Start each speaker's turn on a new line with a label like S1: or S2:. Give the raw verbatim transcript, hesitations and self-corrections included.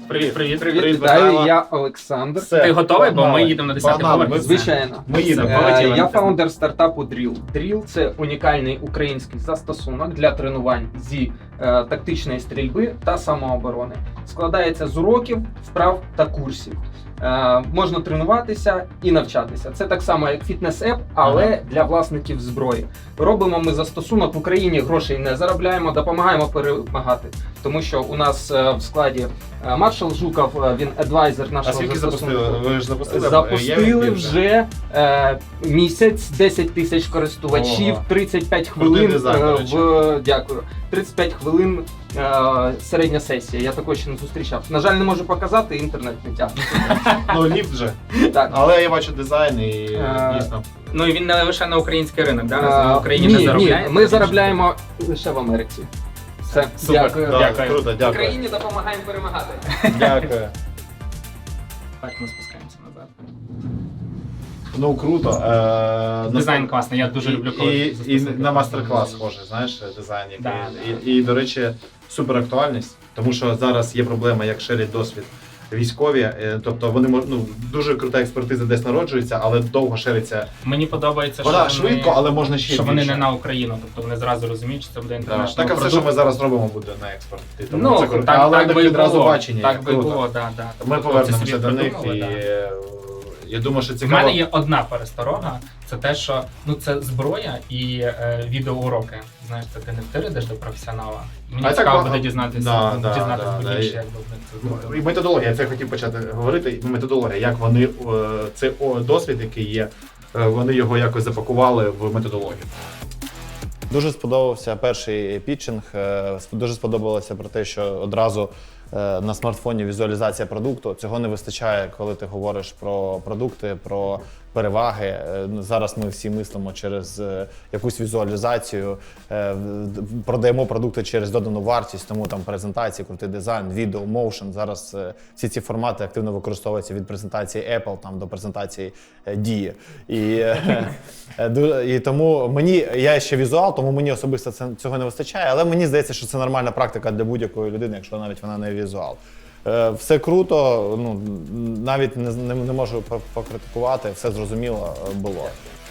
S1: Привіт, привіт.
S2: Привіт,
S3: Привіт,
S2: вітаю,
S3: Михайло.
S2: я Олександр.
S3: Все,
S1: Ти готовий, бо
S3: погнали.
S1: ми їдемо на десятий
S3: Погнали,
S1: поверх.
S3: ми-
S2: Звичайно.
S3: Ми їдемо.
S1: Все,
S2: Е,
S1: полетіли.
S2: Я фаундер стартапу Drill. Drill – це унікальний український застосунок для тренувань зі е, тактичної стрільби та самооборони. Складається з уроків, вправ та курсів. Е, можна тренуватися і навчатися. Це так само, як фітнес-еп, але
S3: Ага.
S2: для власників зброї. Робимо ми застосунок в Україні, грошей не заробляємо, допомагаємо перемагати. Тому що у нас е, в складі е, маршал Жуков, е, він адвайзер
S3: А
S2: нашого
S3: скільки
S2: застосунку.
S3: запустили? Ви ж запустили?
S2: Запустили
S3: Я
S2: вже е, місяць, десять тисяч користувачів,
S3: Ого.
S2: тридцять п'ять
S3: Крутий
S2: хвилин
S3: дизайн, до
S2: е,
S3: речі.
S2: в дякую. тридцять п'ять хвилин е, середня сесія. Я такого ще не зустрічав. На жаль, не можу показати, інтернет не тягне.
S3: Ну, ліфт вже.
S2: Так.
S3: Але я бачу дизайн і
S2: Е,
S3: дійсно.
S1: Ну і він не лише на український ринок, да?
S2: Е,
S1: В Україні
S2: ні,
S1: не
S2: ні,
S1: заробляє.
S2: ми заробляємо лише в Америці. Все,
S1: Супер.
S2: дякую.
S3: Да,
S1: Дякую.
S3: Круто, дякую.
S2: Україні допомагаємо перемагати.
S3: Дякую.
S1: Так, ми спускаємося назад.
S3: Ну, круто. Е,
S1: Дизайн класний, я дуже
S3: і,
S1: люблю, коли
S3: і, і
S1: застосунки.
S3: на мастер-клас схоже, знаєш, дизайн. Який,
S1: Да,
S3: і, і, до речі, супер актуальність, тому що зараз є проблема, як шерять досвід військові. Е, Тобто вони мож- ну, дуже крута експертиза десь народжується, але довго шериться.
S1: Мені подобається, що
S3: Вона
S1: вони,
S3: швидко, але можна ще
S1: що
S3: більше.
S1: вони не на Україну, тобто вони зразу розуміють, що це буде
S3: Да.
S1: інтернешнл
S3: Так, а все, що ми зараз робимо, буде на експорт. І тому
S1: Ну,
S3: це круто.
S1: так,
S3: але
S1: так
S3: так
S1: би і
S3: відразу
S1: було.
S3: бачення.
S1: Так
S3: як
S1: би
S3: круто.
S1: було, да, да.
S3: Ми
S1: Тобто
S3: повернемося
S1: собі
S3: до них
S1: придумали,
S3: і
S1: да.
S3: е, я думаю, що
S1: В
S3: цікаво.
S1: мене є одна пересторога, це те, що ну це зброя і е, відеоуроки. Знаєш, це ти не втиридеш до професіонала. Мені
S3: А так
S1: цікаво
S3: ба-
S1: буде дізнатися,
S3: да, да,
S1: дізнатися
S3: да,
S1: більше,
S3: да.
S1: як би в них це
S3: Ну,
S1: зробили.
S3: і методологія, я це хотів почати говорити. Методологія, як вони е, це о, досвід, який є, е, вони його якось запакували в методологію.
S4: Дуже сподобався перший пітчинг. е, сп- Дуже сподобалося про те, що одразу е, на смартфоні візуалізація продукту. Цього не вистачає, коли ти говориш про продукти, про переваги. Е, Зараз ми всі мислимо через е, якусь візуалізацію, е, в- продаємо продукти через додану вартість, тому там презентації, крутий дизайн, відео, моушен. Зараз е, всі ці формати активно використовуються від презентації Apple там, до презентації е, Дії. І, е, е, ду- і тому мені, я ще візуал, тому мені особисто це, цього не вистачає, але мені здається, що це нормальна практика для будь-якої людини, якщо навіть вона не візуал. Е, Все круто, ну, навіть не, не, не можу по- покритикувати, все зрозуміло е, було.